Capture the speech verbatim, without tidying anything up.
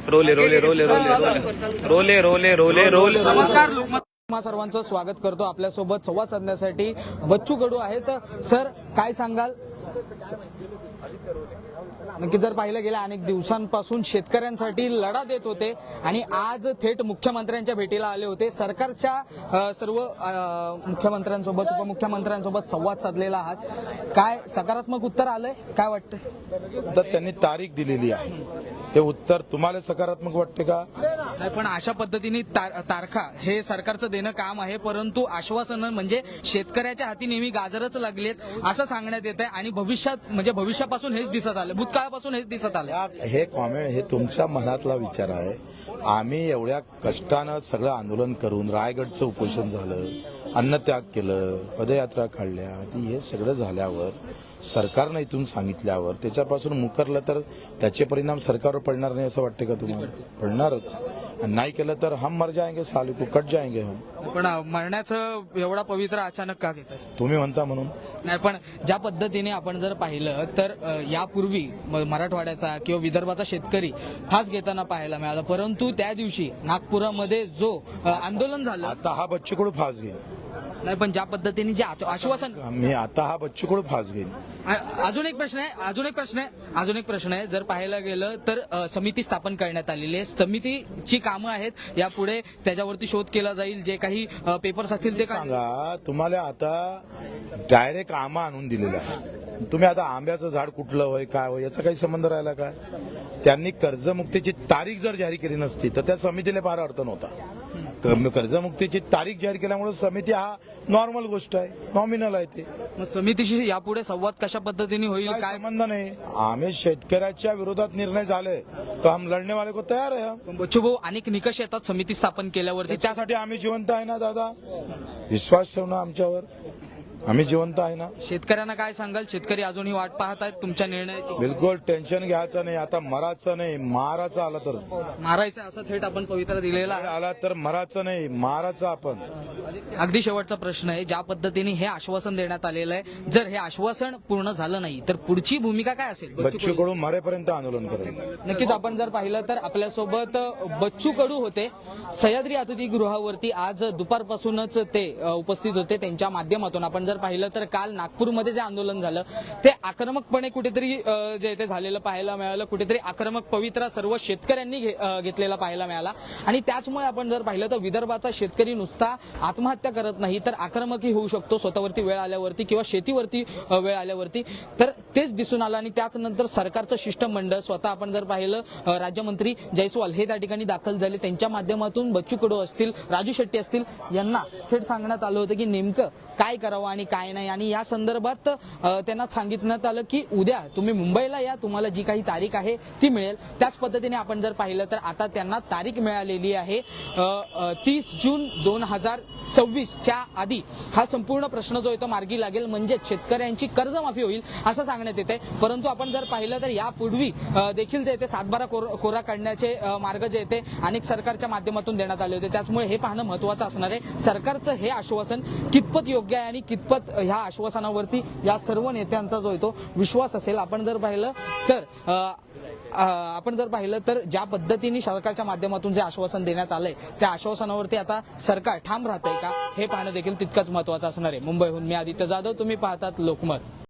रोले रोले रोले रोले रोले रोले रोले रोले नमस्कार लोकमत तुम्हा सर्वांचं स्वागत करतो. आपल्यासोबत संवाद साधण्यासाठी बच्चू कडू आहेत. सर, काय सांगाल? नक्की जर पाहिलं गेल्या अनेक दिवसांपासून शेतकऱ्यांसाठी लढा देत होते आणि आज थेट मुख्यमंत्र्यांच्या भेटीला आले होते. सरकारच्या अ, सर्व अ, मुख्यमंत्र्यांसोबत उपमुख्यमंत्र्यांसोबत संवाद साधलेला आहात. काय सकारात्मक उत्तर आलंय? काय वाटतं? आता त्यांनी तारीख दिलेली आहे. हे उत्तर तुम्हाला सकारात्मक वाटते का? नाही, पण अशा पद्धतीने तार, तारखा हे सरकारचं देणं काम आहे, परंतु आश्वासनं म्हणजे शेतकऱ्याच्या हाती नेहमी गाजरच लागलेत असं सांगण्यात येत आहे आणि भविष्यात म्हणजे भविष्यापासून हेच दिसत आलं, भूतकाळापासून हेच दिसत आलं. या- हे कॉमेंट हे तुमच्या मनातला विचार आहे. आम्ही एवढ्या कष्टानं सगळं आंदोलन करून रायगडचं उपोषण झालं, अन्नत्याग केलं, पदयात्रा काढल्या, हे सगळं झाल्यावर सरकारनं इथून सांगितल्यावर त्याच्यापासून मुकरलं तर त्याचे परिणाम सरकारवर पडणार नाही असं वाटते का तुम्हाला? पडणारच. आणि नाही केलं तर हम मर जाएंगे, साले को कट जाएंगे हम. पण मरण्याचं एवढा पवित्र अचानक का घेत आहे? तुम्ही म्हणता म्हणून. नाही, पण ज्या पद्धतीने आपण जर पाहिलं तर अ, यापूर्वी म- मराठवाड्याचा किंवा विदर्भाचा शेतकरी फास घेताना पाहायला मिळाला, परंतु त्या दिवशी नागपुरामध्ये जो अ, आंदोलन झालं. आता हा बच्चू कडू फास घेईन. नाही, पण ज्या पद्धतीने जे आच- आश्वासन. मी आता हा बच्चू कडू फास घेईन. अ- अजून एक प्रश्न आहे अजून एक प्रश्न आहे अजून एक प्रश्न आहे जर पाहायला गेलं तर अ, समिती स्थापन करण्यात आलेली आहे. समितीची कामं आहेत, यापुढे त्याच्यावरती शोध केला जाईल. जे काही अ, पेपर्स असतील ते काय सांगा. तुम्हाला आता डायरेक्ट आंबा आणून दिलेला आहे. तुम्ही आता आंब्याचं झाड कुठलं होय काय होय याचा काही संबंध राहिला काय? त्यांनी कर्जमुक्तीची तारीख जर जाहीर केली नसती तर त्या समितीला फार अर्थ नव्हता. क- कर्जमुक्तीची तारीख जाहीर केल्यामुळे समिती हा नॉर्मल गोष्ट आहे, नॉमिनल आहे. ते मग समितीशी यापुढे संवाद कशा पद्धतीने होईल काय काय? संबंध नाही. आम्ही शेतकऱ्याच्या विरोधात निर्णय झाले तर हम लढणे वाले को तयार आहे. हम. पण बच्चू भाऊ, अनेक निकष येतात समिती स्थापन केल्यावरती. त्या त्यासाठी आम्ही जिवंत आहे ना दादा. विश्वास ठेव ना आमच्यावर. आम्ही जिवंत आहे ना. शेतकऱ्यांना काय सांगाल? शेतकरी अजूनही वाट पाहत आहेत तुमच्या निर्णयाची. बिलकुल टेन्शन घ्यायचं नाही. आता मराचं नाही, माराचं आला तर मारायचं असं थेट आपण पवित्रा दिलेला आहे. आला तर मराचं नाही, माराचं आपण. अगदी शेवटचा प्रश्न आहे, ज्या पद्धतीने हे आश्वासन देण्यात आलेलं आहे, जर हे आश्वासन पूर्ण झालं नाही तर पुढची भूमिका काय असेल? बच्चू कडू मरेपर्यंत आंदोलन करेल. नक्कीच आपण जर पाहिलं तर आपल्यासोबत बच्चू कडू होते. सह्याद्री अतिथीगृहावरती आज दुपारपासूनच ते अ, उपस्थित होते. त्यांच्या माध्यमातून आपण जर पाहिलं तर काल नागपूरमध्ये जे आंदोलन झालं ते आक्रमकपणे कुठेतरी अ, जे ते झालेलं पाहायला मिळालं. कुठेतरी आक्रमक पवित्रा सर्व शेतकऱ्यांनी घे- अ, घेतलेला पाहायला मिळाला आणि त्याचमुळे आपण जर पाहिलं तर विदर्भाचा शेतकरी नुसता आत्महत्या करत नाही तर आक्रमकही होऊ शकतो स्वतःवरती वेळ आल्यावरती किंवा शेतीवरती अ, वेळ आल्यावरती. तर तेच दिसून आलं आणि त्याच नंतर सरकारचं शिष्टमंडळ स्वतः आपण जर पाहिलं अ, राज्यमंत्री जयस्वाल हे त्या ठिकाणी दाखल झाले. त्यांच्या माध्यमातून बच्चू कडू असतील, राजू शेट्टी असतील यांना थेट सांगण्यात आलं होतं की नेमकं काय करावं आणि काय नाही. आणि या संदर्भात अ, त्यांना सांगितण्यात आलं की उद्या तुम्ही मुंबईला या, तुम्हाला जी काही तारीख आहे ती मिळेल. त्याच पद्धतीने आपण जर पाहिलं तर आता त्यांना तारीख मिळालेली आहे तीस जून दोन हजार सव्वीसच्या आधी हा संपूर्ण प्रश्न जो आहे तो मार्गी लागेल, म्हणजे शेतकऱ्यांची कर्जमाफी होईल असं सांगण्यात येते. परंतु आपण जर पाहिलं तर यापूर्वी अ, देखील जे येते सातबारा कोर, कोरा काढण्याचे अ, मार्ग जे येते अनेक सरकारच्या माध्यमातून देण्यात आले होते. त्याचमुळे हे पाहणं महत्वाचं असणार आहे, सरकारचं हे आश्वासन कितपत योग्य आहे आणि कितपत ह्या आश्वासनावरती या सर्व नेत्यांचा जो आहे तो विश्वास असेल. आपण जर पाहिलं तर अ, अ, आपण जर पाहिलं तर ज्या पद्धतीने सरकारच्या माध्यमातून जे आश्वासन देण्यात आलंय त्या आश्वासनावरती आता सरकार ठाम राहतंय का हे पाहणं देखील तितकंच महत्वाचं असणार आहे. मुंबईहून मी आदित्य जाधव, तुम्ही पाहतात लोकमत.